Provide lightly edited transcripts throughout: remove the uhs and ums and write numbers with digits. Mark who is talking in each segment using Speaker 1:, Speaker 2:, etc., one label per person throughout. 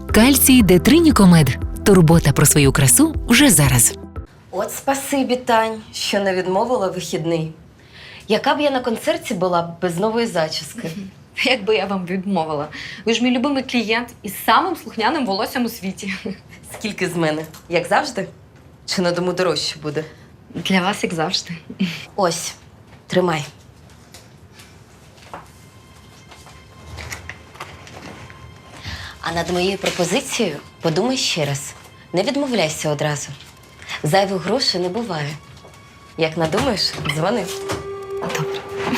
Speaker 1: Кальцій Детринікомед. Турбота про свою красу вже зараз.
Speaker 2: От спасибі, Тань, що не відмовила вихідний. Яка б я на концерті була б без нової зачіски?
Speaker 3: Як би я вам відмовила? Ви ж мій любимий клієнт із самим слухняним волоссям у світі.
Speaker 2: Скільки з мене? Як завжди? Чи на дому дорожче буде?
Speaker 3: Для вас, як завжди.
Speaker 2: Ось, тримай. А над моєю пропозицією подумай ще раз. Не відмовляйся одразу. Зайвих грошей не буває. Як надумаєш, дзвони.
Speaker 3: Добре.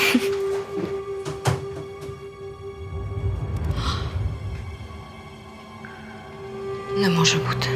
Speaker 3: Не може бути.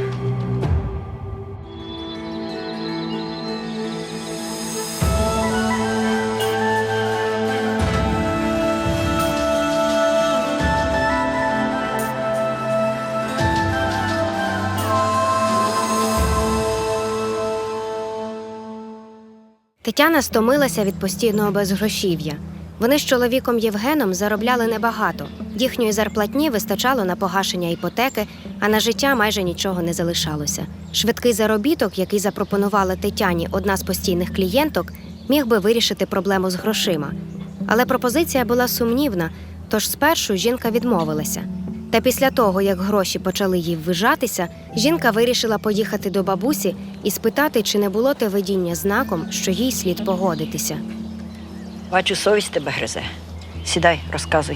Speaker 4: Тетяна стомилася від постійного безгрошів'я. Вони з чоловіком Євгеном заробляли небагато. Їхньої зарплатні вистачало на погашення іпотеки, а на життя майже нічого не залишалося. Швидкий заробіток, який запропонувала Тетяні одна з постійних клієнток, міг би вирішити проблему з грошима. Але пропозиція була сумнівна, тож спершу жінка відмовилася. Та після того, як гроші почали їй ввижатися, жінка вирішила поїхати до бабусі і спитати, чи не було те видіння знаком, що їй слід погодитися.
Speaker 5: Бачу, совість тебе гризе. Сідай, розказуй.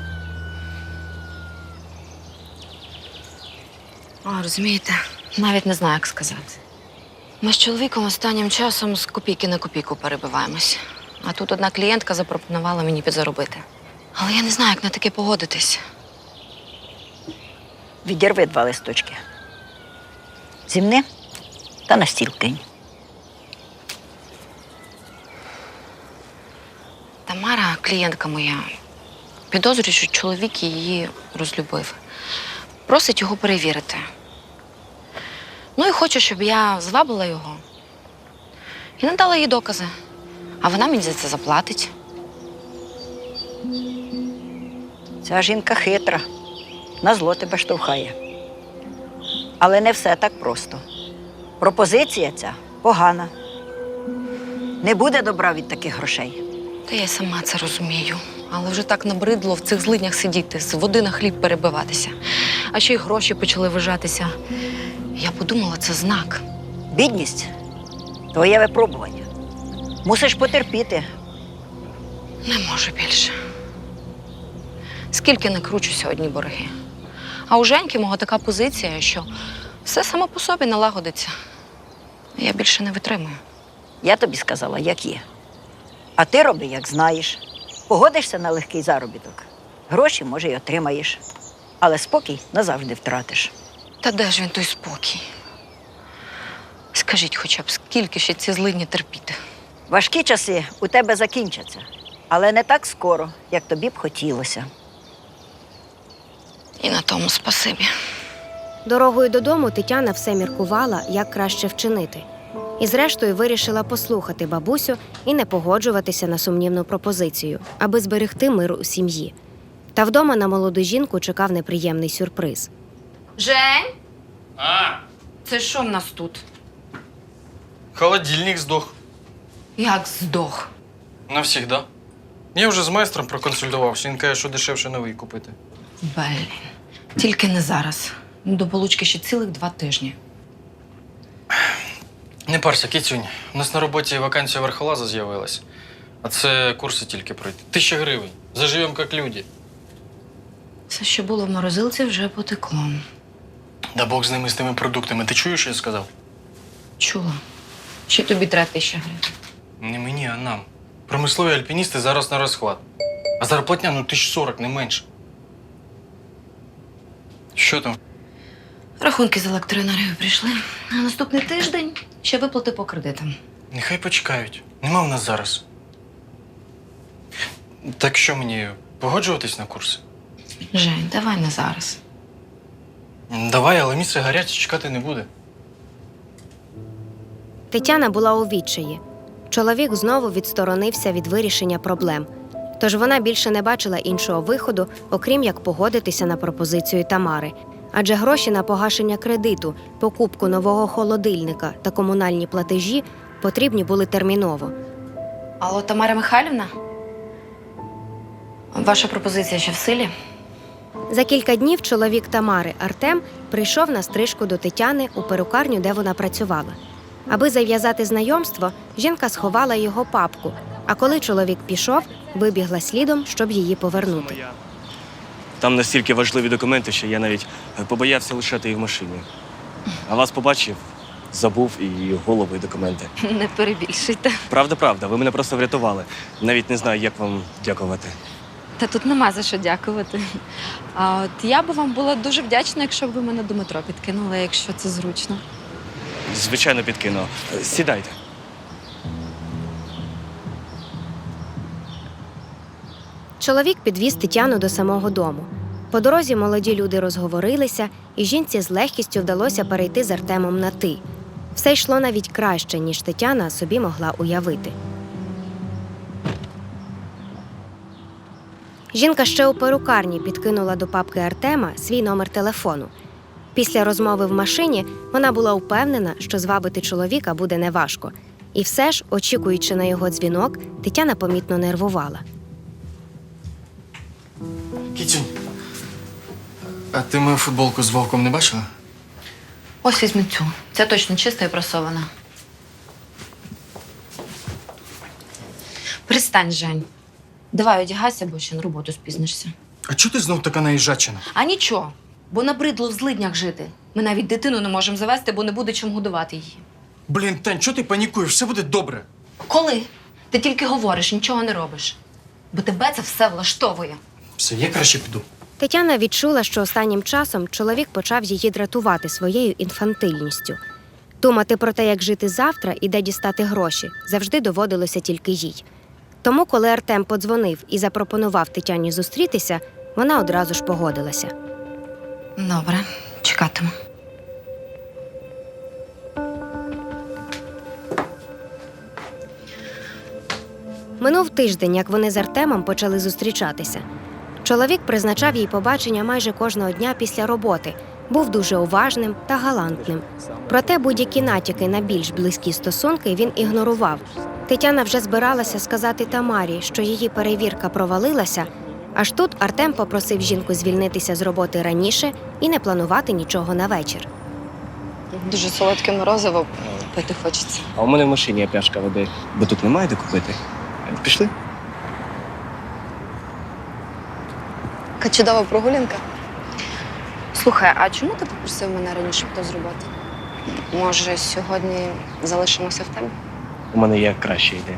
Speaker 3: Розумієте, навіть не знаю, як сказати. Ми з чоловіком останнім часом з копійки на копійку перебиваємось. А тут одна клієнтка запропонувала мені підзаробити. Але я не знаю, як на таке погодитись.
Speaker 5: Відірви 2 листочки. Зімни та на стіл кинь.
Speaker 3: Тамара, клієнтка моя, підозрює, що чоловік її розлюбив. Просить його перевірити. Ну і хоче, щоб я звабила його. І надала їй докази. А вона мені за це заплатить.
Speaker 5: Ця жінка хитра, на зло тебе штовхає. Але не все так просто. Пропозиція ця погана. Не буде добра від таких грошей.
Speaker 3: Та я й сама це розумію. Але вже так набридло в цих злиднях сидіти, з води на хліб перебиватися. А ще й гроші почали вижатися. Я подумала, це знак.
Speaker 5: Бідність – твоє випробування. Мусиш потерпіти.
Speaker 3: Не можу більше. Скільки не кручуся одні борги. А у Женьки мого така позиція, що все само по собі налагодиться. Я більше не витримую.
Speaker 5: Я тобі сказала, як є. А ти роби, як знаєш. Погодишся на легкий заробіток. Гроші, може, й отримаєш. Але спокій назавжди втратиш.
Speaker 3: Та де ж він той спокій? Скажіть хоча б, скільки ще ці злидні терпіти?
Speaker 5: Важкі часи у тебе закінчаться. Але не так скоро, як тобі б хотілося.
Speaker 3: І на тому спасибі.
Speaker 4: Дорогою додому Тетяна все міркувала, як краще вчинити. І зрештою вирішила послухати бабусю і не погоджуватися на сумнівну пропозицію, аби зберегти мир у сім'ї. Та вдома на молоду жінку чекав неприємний сюрприз.
Speaker 3: Жень?
Speaker 6: А,
Speaker 3: Це що в нас тут?
Speaker 6: холодильник здох.
Speaker 3: Як здох?
Speaker 6: Навсігда. Я вже з майстром проконсультувався, він каже, що дешевше новий купити.
Speaker 3: Блін, тільки не зараз. До получки ще цілих 2 тижні.
Speaker 6: Не парся, кицюнь. У нас на роботі вакансія верхолаза з'явилась. А це курси тільки пройти. 1000 гривень. Заживемо, як люди.
Speaker 3: Все, що було в морозилці, вже потекло.
Speaker 6: Да Бог з ними, з тими продуктами. Ти чуєш, що я сказав?
Speaker 3: Чула. Ще тобі треба 1000 гривень.
Speaker 6: Не мені, а нам. Промислові альпіністи зараз на розхват. А зарплатня, 1040, не менше. Що там?
Speaker 3: Рахунки з електроенергією прийшли. А наступний тиждень ще виплати по кредитам.
Speaker 6: Нехай почекають. Нема в нас зараз. Так що мені, погоджуватись на курси?
Speaker 3: Жень, давай не зараз.
Speaker 6: Давай, але місце гаряче, чекати не буде.
Speaker 4: Тетяна була у відчаї. Чоловік знову відсторонився від вирішення проблем. Тож вона більше не бачила іншого виходу, окрім як погодитися на пропозицію Тамари. адже гроші на погашення кредиту, покупку нового холодильника та комунальні платежі потрібні були терміново.
Speaker 3: Алло, Тамара Михайлівна? Ваша пропозиція ще в силі?
Speaker 4: За кілька днів чоловік Тамари, Артем, прийшов на стрижку до Тетяни у перукарню, де вона працювала. Аби зав'язати знайомство, жінка сховала його папку, а коли чоловік пішов, вибігла слідом, щоб її повернути.
Speaker 7: Там настільки важливі документи, що я навіть побоявся лишати їх в машині. А вас побачив, забув і голову, і документи.
Speaker 3: Не перебільшуйте.
Speaker 7: Правда, ви мене просто врятували. Навіть не знаю, як вам дякувати.
Speaker 8: Та тут нема за що дякувати. А от я би вам була дуже вдячна, якщо б ви мене до метро підкинули, якщо це зручно.
Speaker 7: Звичайно, підкину. Сідайте.
Speaker 4: Чоловік підвіз Тетяну до самого дому. По дорозі молоді люди розговорилися, і жінці з легкістю вдалося перейти з Артемом на «ти». Все йшло навіть краще, ніж Тетяна собі могла уявити. Жінка ще у перукарні підкинула до папки Артема свій номер телефону. Після розмови в машині вона була впевнена, що звабити чоловіка буде неважко. І все ж, очікуючи на його дзвінок, Тетяна помітно нервувала.
Speaker 6: Кітюнь, а ти мою футболку з вовком не бачила?
Speaker 3: Ось візьми цю. Це точно чиста і прасована. Перестань, Жень. Давай одягайся, бо ще на роботу спізнишся.
Speaker 6: А чого ти знов така наїжджачина?
Speaker 3: А нічого, бо набридло в злиднях жити. Ми навіть дитину не можемо завести, бо не буде чим годувати її.
Speaker 6: Блін, Тань, чого ти панікуєш? Все буде добре.
Speaker 3: Коли? Ти тільки говориш, нічого не робиш. Бо тебе це все влаштовує.
Speaker 6: Все, я краще піду.
Speaker 4: Тетяна відчула, що останнім часом чоловік почав її дратувати своєю інфантильністю. Думати про те, як жити завтра і де дістати гроші, завжди доводилося тільки їй. Тому, коли Артем подзвонив і запропонував Тетяні зустрітися, вона одразу ж погодилася.
Speaker 3: Добре, чекатиму.
Speaker 4: Минув тиждень, як вони з Артемом почали зустрічатися. Чоловік призначав їй побачення майже кожного дня після роботи, був дуже уважним та галантним. Проте будь-які натяки на більш близькі стосунки він ігнорував. Тетяна вже збиралася сказати Тамарі, що її перевірка провалилася, аж тут Артем попросив жінку звільнитися з роботи раніше і не планувати нічого на вечір.
Speaker 8: Дуже солодке морозиво пити хочеться.
Speaker 7: А у мене в машині є пляшка води, бо тут немає де купити. Пішли?
Speaker 8: Яка чудова прогулянка. Слухай, а чому ти попросив мене раніше піти з роботи? Може, сьогодні залишимося в тебе?
Speaker 7: У мене є краща ідея.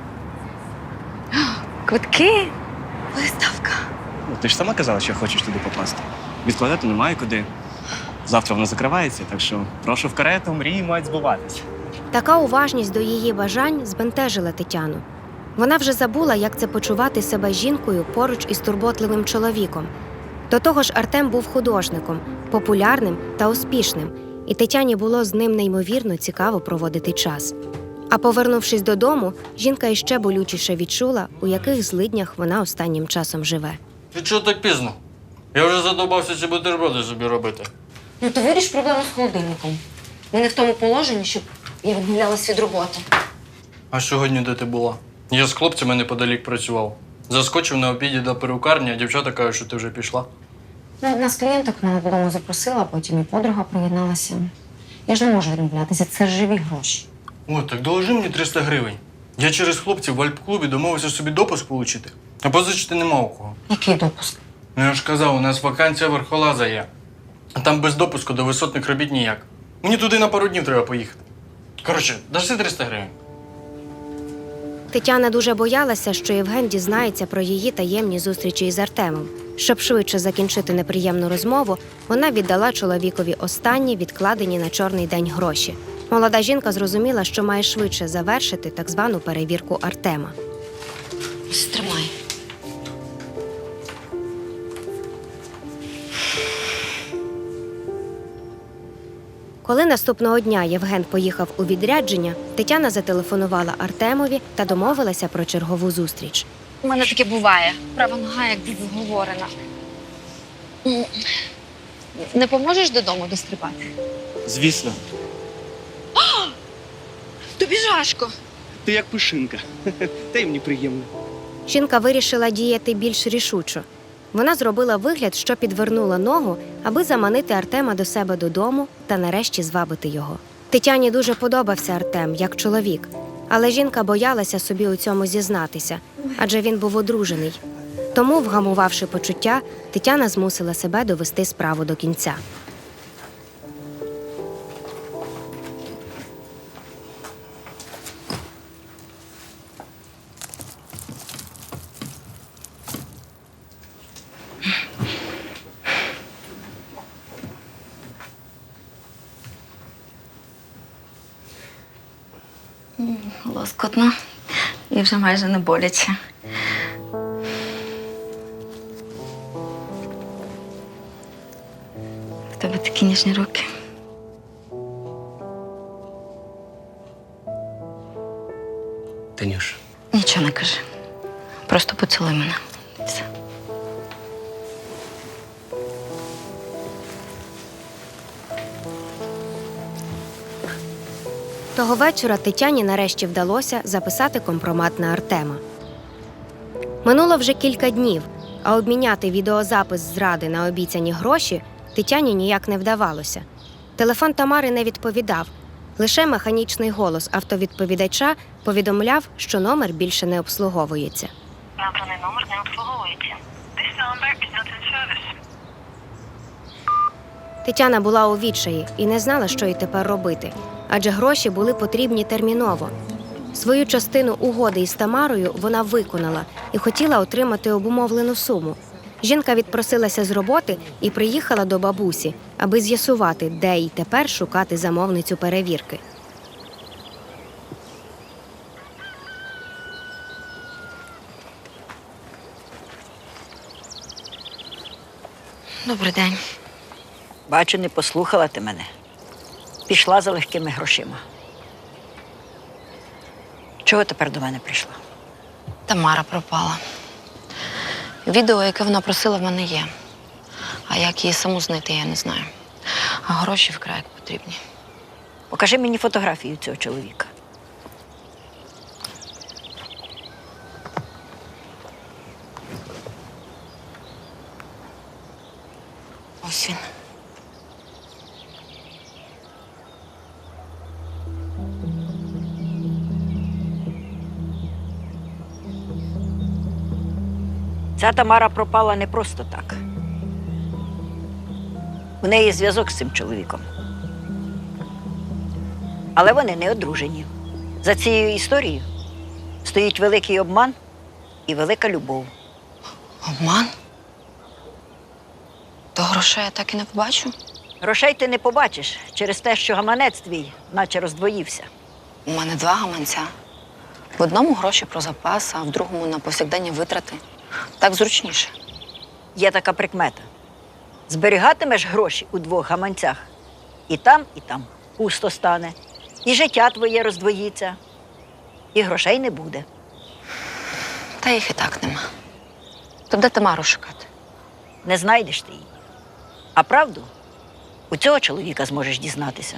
Speaker 8: Квитки? Виставка.
Speaker 7: Ну, ти ж сама казала, що хочеш туди попасти. Відкладати немає куди. Завтра вона закривається, так що прошу в карету, мрії мають збуватися.
Speaker 4: Така уважність до її бажань збентежила Тетяну. Вона вже забула, як це почувати себе жінкою поруч із турботливим чоловіком. До того ж, Артем був художником, популярним та успішним, і Тетяні було з ним неймовірно цікаво проводити час. А повернувшись додому, жінка іще болючіше відчула, у яких злиднях вона останнім часом живе.
Speaker 6: Ти чого так пізно? Я вже задовбався ці бутерброди собі робити.
Speaker 3: Ну, то виріш проблему з холодильником. Ми не в тому положенні, щоб я відмовлялась від роботи.
Speaker 6: А сьогодні де ти була? Я з хлопцями неподалік працював. Заскочив на обіді до перукарні, а дівчата кажуть, що ти вже пішла.
Speaker 3: Ну, одна з клієнток мене додому запросила, потім і подруга приєдналася. Я ж не можу відмовлятися, це ж живі гроші.
Speaker 6: О, так доложи мені 300 гривень. Я через хлопців в Альп-клубі домовився собі допуск отримати. А позичити нема у кого.
Speaker 3: Який допуск?
Speaker 6: Ну я ж казав, у нас вакансія верхолаза є. А там без допуску до висотних робіт ніяк. Мені туди на пару днів треба поїхати. Коротше, дашся 300 гривень.
Speaker 4: Тетяна дуже боялася, що Євген дізнається про її таємні зустрічі із Артемом. Щоб швидше закінчити неприємну розмову, вона віддала чоловікові останні відкладені на чорний день гроші. Молода жінка зрозуміла, що має швидше завершити так звану перевірку Артема.
Speaker 3: Стримай.
Speaker 4: Коли наступного дня Євген поїхав у відрядження, Тетяна зателефонувала Артемові та домовилася про чергову зустріч.
Speaker 8: У мене таке буває. Права нога як зговорена. Не поможеш додому дострибати?
Speaker 7: Звісно,
Speaker 8: Тобі жашко.
Speaker 7: ти як пушинка. Та й мені приємно.
Speaker 4: Жінка вирішила діяти більш рішучо. Вона зробила вигляд, що підвернула ногу, аби заманити Артема до себе додому та нарешті звабити його. Тетяні дуже подобався Артем як чоловік, але жінка боялася собі у цьому зізнатися, адже він був одружений. Тому, вгамувавши почуття, Тетяна змусила себе довести справу до кінця.
Speaker 3: Лоскотно і вже майже не боляче. В тебе такі ніжні руки.
Speaker 7: Танюш,
Speaker 3: Нічого не кажи. Просто поцілуй мене. І все.
Speaker 4: Того вечора Тетяні нарешті вдалося записати компромат на Артема. Минуло вже кілька днів, а обміняти відеозапис зради на обіцяні гроші Тетяні ніяк не вдавалося. Телефон Тамари не відповідав. Лише механічний голос автовідповідача повідомляв, що номер більше не обслуговується.
Speaker 9: Набраний номер не обслуговується. This number is not in service.
Speaker 4: Тетяна була у відчаї і не знала, що їй тепер робити, адже гроші були потрібні терміново. Свою частину угоди із Тамарою вона виконала і хотіла отримати обумовлену суму. Жінка відпросилася з роботи і приїхала до бабусі, аби з'ясувати, де їй тепер шукати замовницю перевірки.
Speaker 3: Добрий день.
Speaker 5: Бачу, не послухала ти мене. Пішла за легкими грошима. Чого тепер до мене прийшла?
Speaker 3: Тамара пропала. Відео, яке вона просила, в мене є. А як її саму знайти, я не знаю. А гроші вкрай як потрібні.
Speaker 5: Покажи мені фотографію цього чоловіка.
Speaker 3: Ось він.
Speaker 5: Ця Тамара пропала не просто так. У неї зв'язок з цим чоловіком. Але вони не одружені. За цією історією стоїть великий обман і велика любов.
Speaker 3: Обман? То грошей я так і не побачу?
Speaker 5: Грошей ти не побачиш через те, що гаманець твій наче роздвоївся.
Speaker 3: У мене 2 гаманця. В одному гроші про запас, а в другому на повсякденні витрати. Так зручніше.
Speaker 5: Є така прикмета. Зберігатимеш гроші у 2 гаманцях. І там пусто стане. І життя твоє роздвоїться. І грошей не буде.
Speaker 3: Та їх і так нема. То де Тамару шукати?
Speaker 5: Не знайдеш ти її. А правду у цього чоловіка зможеш дізнатися.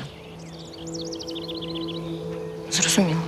Speaker 3: Зрозуміло.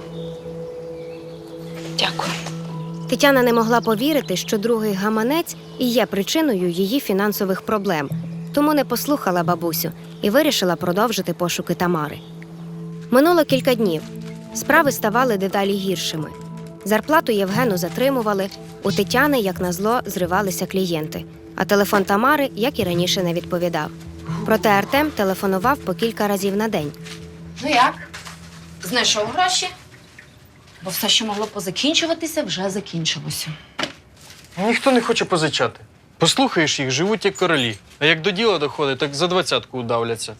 Speaker 3: Дякую.
Speaker 4: Тетяна не могла повірити, що другий гаманець і є причиною її фінансових проблем, тому не послухала бабусю і вирішила продовжити пошуки Тамари. Минуло кілька днів. Справи ставали дедалі гіршими. Зарплату Євгену затримували, у Тетяни, як назло, зривалися клієнти, а телефон Тамари, як і раніше, не відповідав. Проте Артем телефонував по кілька разів на день.
Speaker 3: Ну як? Знайшов гроші? Бо все, що могло позакінчуватися, вже закінчилося.
Speaker 6: Ніхто не хоче позичати. Послухаєш їх, живуть як королі. А як до діла доходить, так за 20-ку удавляться.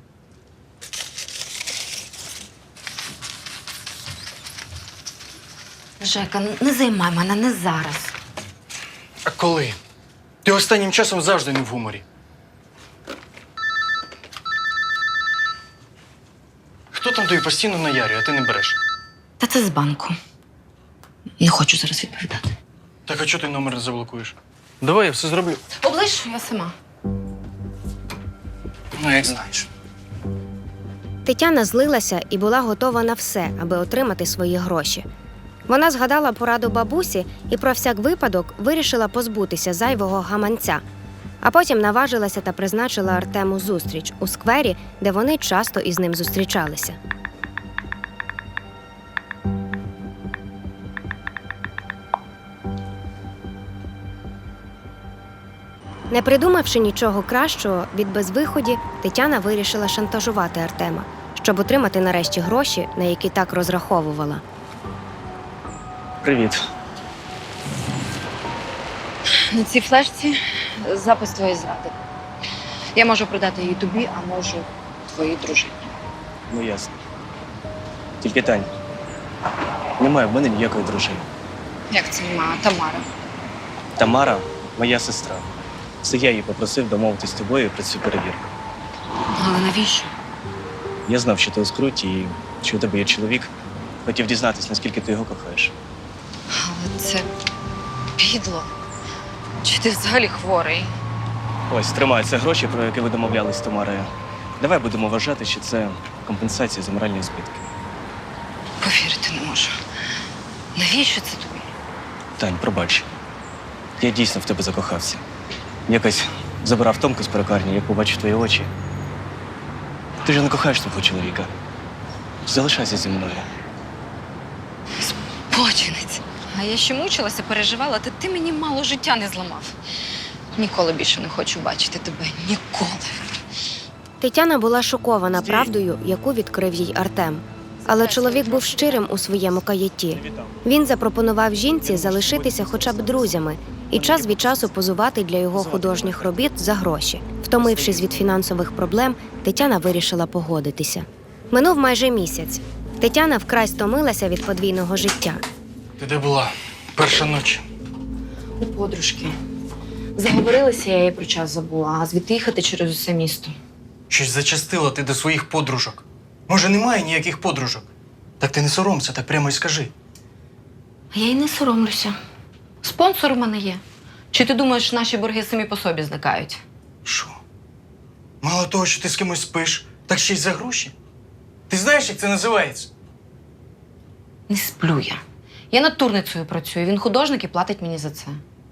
Speaker 3: Жека, не займай мене, не зараз.
Speaker 6: А коли? Ти останнім часом завжди не в гуморі. Хто там тобі постійно наярює, а ти не береш?
Speaker 3: Та це з банку. Не хочу зараз відповідати.
Speaker 6: Так а чого ти номер не заблокуєш? Давай, я все зроблю.
Speaker 3: Оближ, я сама.
Speaker 6: Ну, як знаєш.
Speaker 4: Тетяна злилася і була готова на все, аби отримати свої гроші. Вона згадала пораду бабусі і про всяк випадок вирішила позбутися зайвого гаманця. А потім наважилася та призначила Артему зустріч у сквері, де вони часто із ним зустрічалися. Не придумавши нічого кращого від безвиході, Тетяна вирішила шантажувати Артема, щоб отримати нарешті гроші, на які так розраховувала.
Speaker 7: Привіт.
Speaker 3: На цій флешці запис твоєї зради. Я можу продати її тобі, а можу твоїй дружині.
Speaker 7: Ну ясно. Тільки Тань, немає в мене ніякої дружини.
Speaker 3: Як це немає? Тамара.
Speaker 7: Тамара моя сестра. Це я її попросив домовитись з тобою про цю перевірку.
Speaker 3: Але навіщо?
Speaker 7: Я знав, що ти у скруті і що у тебе є чоловік. Хотів дізнатись, наскільки ти його кохаєш.
Speaker 3: Але це підло. Чи ти взагалі хворий?
Speaker 7: Ось, тримай, це гроші, про які ви домовлялись з Тамарою. Давай будемо вважати, що це компенсація за моральні збитки.
Speaker 3: Повірити не можу. Навіщо це тобі?
Speaker 7: Тань, пробач. Я дійсно в тебе закохався. Якось забирав Томку з перукарні, як побачив твої очі. Ти ж не кохаєш свого чоловіка. Залишайся зі мною.
Speaker 3: Спочинець. А я ще мучилася, переживала, та ти мені мало життя не зламав. Ніколи більше не хочу бачити тебе. Ніколи.
Speaker 4: Тетяна була шокована правдою, яку відкрив їй Артем. Але чоловік був щирим у своєму каятті. Він запропонував жінці залишитися хоча б друзями і час від часу позувати для його художніх робіт за гроші. Втомившись від фінансових проблем, Тетяна вирішила погодитися. Минув майже місяць. Тетяна вкрай стомилася від подвійного життя.
Speaker 6: Ти де була? Перша ніч.
Speaker 3: У подружки. Заговорилися, я їй про час забула, а звідти їхати через усе місто.
Speaker 6: Щось зачастила ти до своїх подружок. Може, немає ніяких подружок? Так ти не соромся, так прямо й скажи.
Speaker 3: А я й не соромлюся. Спонсор у мене є. Чи ти думаєш, наші борги самі по собі зникають?
Speaker 6: Що? Мало того, що ти з кимось спиш, так ще й за гроші? Ти знаєш, як це називається?
Speaker 3: Не сплю я. Я натурницею працюю, він художник і платить мені за це.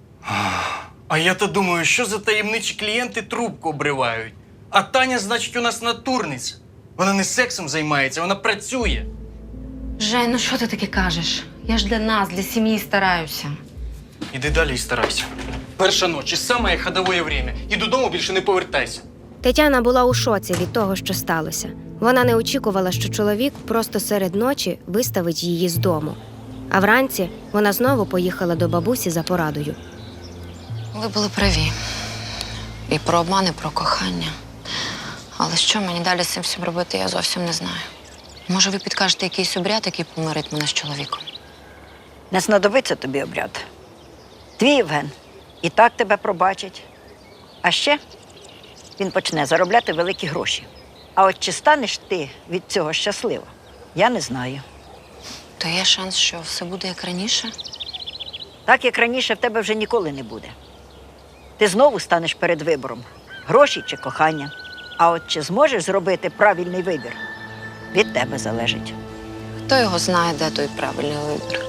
Speaker 6: А я-то думаю, що за таємничі клієнти трубку обривають. А Таня, значить, у нас натурниця. Вона не сексом займається, вона працює.
Speaker 3: Жень, ну що ти таке кажеш? Я ж для нас, для сім'ї стараюся.
Speaker 6: Іди далі і старайся. Перша ніч і саме ходове время. І додому більше не повертайся.
Speaker 4: Тетяна була у шоці від того, що сталося. Вона не очікувала, що чоловік просто серед ночі виставить її з дому. А вранці вона знову поїхала до бабусі за порадою.
Speaker 3: Ви були праві. І про обман, і про кохання. Але що мені далі з цим всім робити, я зовсім не знаю. Може, ви підкажете якийсь обряд, який помирить мене з чоловіком?
Speaker 5: Не знадобиться тобі обряд. Твій Євген і так тебе пробачить. А ще він почне заробляти великі гроші. А от чи станеш ти від цього щаслива, я не знаю.
Speaker 3: То є шанс, що все буде як раніше?
Speaker 5: Так, як раніше, в тебе вже ніколи не буде. Ти знову станеш перед вибором – гроші чи кохання. А от чи зможеш зробити правильний вибір – від тебе залежить.
Speaker 3: Хто його знає, де той правильний вибір?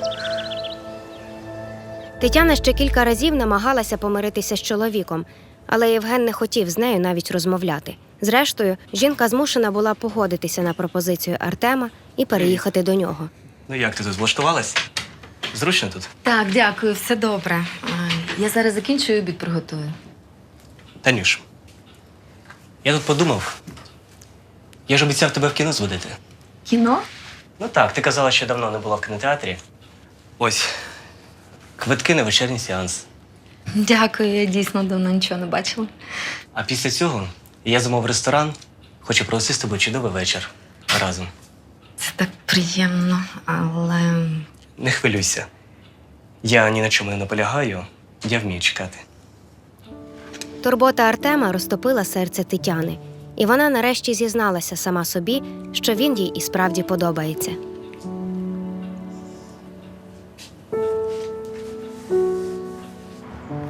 Speaker 4: Тетяна ще кілька разів намагалася помиритися з чоловіком, але Євген не хотів з нею навіть розмовляти. Зрештою, жінка змушена була погодитися на пропозицію Артема і переїхати до нього.
Speaker 7: Ну як ти тут влаштувалась? Зручно тут?
Speaker 3: Так, дякую, все добре. Я зараз закінчую, обід приготую.
Speaker 7: Танюш, я тут подумав. Я ж обіцяв тебе в кіно зводити.
Speaker 3: Кіно?
Speaker 7: Ну так, ти казала, що давно не була в кінотеатрі. Ось, квитки на вечірній сеанс.
Speaker 3: Дякую, я дійсно давно нічого не бачила.
Speaker 7: А після цього я замовив ресторан, хочу провести з тобою чудовий вечір разом.
Speaker 3: Це так приємно, але...
Speaker 7: Не хвилюйся. Я ні на чому не наполягаю, я вмію чекати.
Speaker 4: Турбота Артема розтопила серце Тетяни, і вона нарешті зізналася сама собі, що він їй і справді подобається.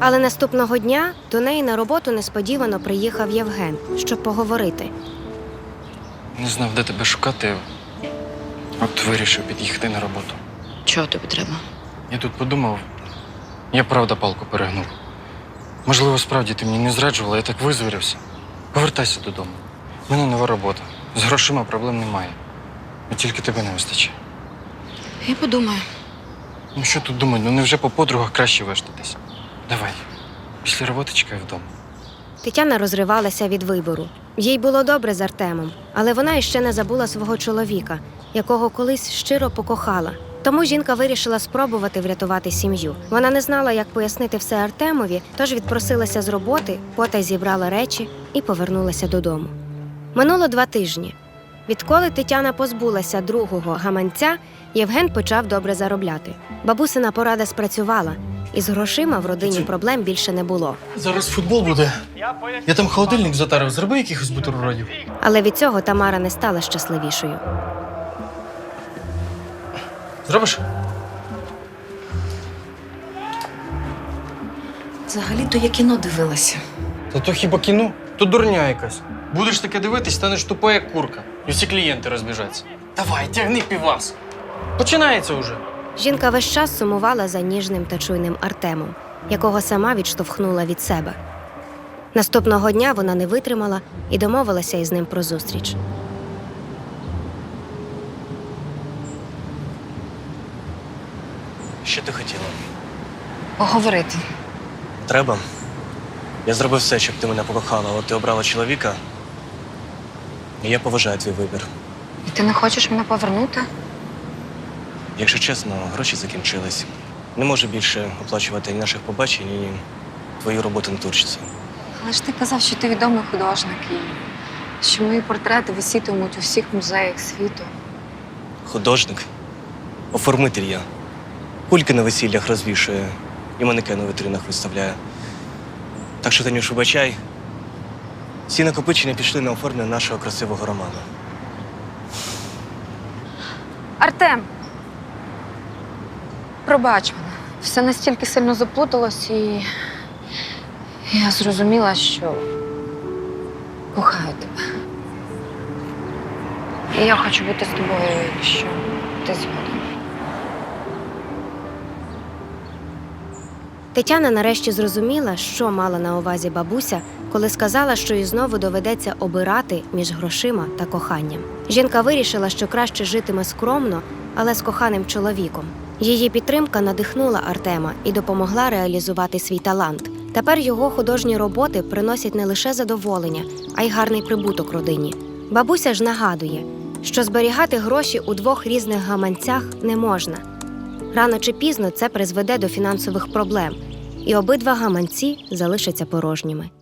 Speaker 4: Але наступного дня до неї на роботу несподівано приїхав Євген, щоб поговорити.
Speaker 6: Не знав, де тебе шукати. От вирішив під'їхати на роботу.
Speaker 3: Чого тобі треба?
Speaker 6: Я тут подумав, я правда палку перегнув. Можливо, справді ти мені не зраджувала, я так визвірився. Повертайся додому. У мене нова робота. З грошима проблем немає. А тільки тебе не вистачає.
Speaker 3: Я подумаю.
Speaker 6: Ну що тут думати, ну невже по подругах краще вештатись? Давай, після роботи чекай вдома.
Speaker 4: Тетяна розривалася від вибору. Їй було добре з Артемом, але вона іще не забула свого чоловіка, якого колись щиро покохала. Тому жінка вирішила спробувати врятувати сім'ю. Вона не знала, як пояснити все Артемові, тож відпросилася з роботи, потай зібрала речі і повернулася додому. Минуло 2 тижні. Відколи Тетяна позбулася другого гаманця, Євген почав добре заробляти. Бабусина порада спрацювала, і з грошима в родині проблем більше не було.
Speaker 6: Зараз футбол буде. Я там холодильник затарив, зроби якихось бутербродів.
Speaker 4: Але від цього Тамара не стала щасливішою.
Speaker 6: Зробиш?
Speaker 3: Взагалі-то я кіно дивилася.
Speaker 6: Та то хіба кіно? То дурня якась. Будеш таке дивитись, станеш тупа, як курка. І всі клієнти розбіжаться. Давай, тягни півас. Починається уже.
Speaker 4: Жінка весь час сумувала за ніжним та чуйним Артемом, якого сама відштовхнула від себе. Наступного дня вона не витримала і домовилася із ним про зустріч.
Speaker 7: Що ти хотіла?
Speaker 3: Поговорити.
Speaker 7: Треба. Я зробив все, щоб ти мене покохала, але ти обрала чоловіка. І я поважаю твій вибір.
Speaker 3: І ти не хочеш мене повернути?
Speaker 7: Якщо чесно, гроші закінчились. Не можу більше оплачувати ні наших побачень, ні твою роботу на турчці.
Speaker 8: Але ж ти казав, що ти відомий художник і що мої портрети висітимуть у всіх музеях світу.
Speaker 7: Художник, оформитель я. Кульки на весіллях розвішує і манекен у вітринах виставляє. Так що, Танюш, вибачай, всі накопичення пішли на оформлення нашого красивого роману.
Speaker 8: Артем! Пробач мене. Все настільки сильно заплуталось, і я зрозуміла, що кохаю тебе. І я хочу бути з тобою, якщо ти згоден.
Speaker 4: Тетяна нарешті зрозуміла, що мала на увазі бабуся, коли сказала, що їй знову доведеться обирати між грошима та коханням. Жінка вирішила, що краще житиме скромно, але з коханим чоловіком. Її підтримка надихнула Артема і допомогла реалізувати свій талант. Тепер його художні роботи приносять не лише задоволення, а й гарний прибуток родині. Бабуся ж нагадує, що зберігати гроші у 2 різних гаманцях не можна. Рано чи пізно це призведе до фінансових проблем, і обидва гаманці залишаться порожніми.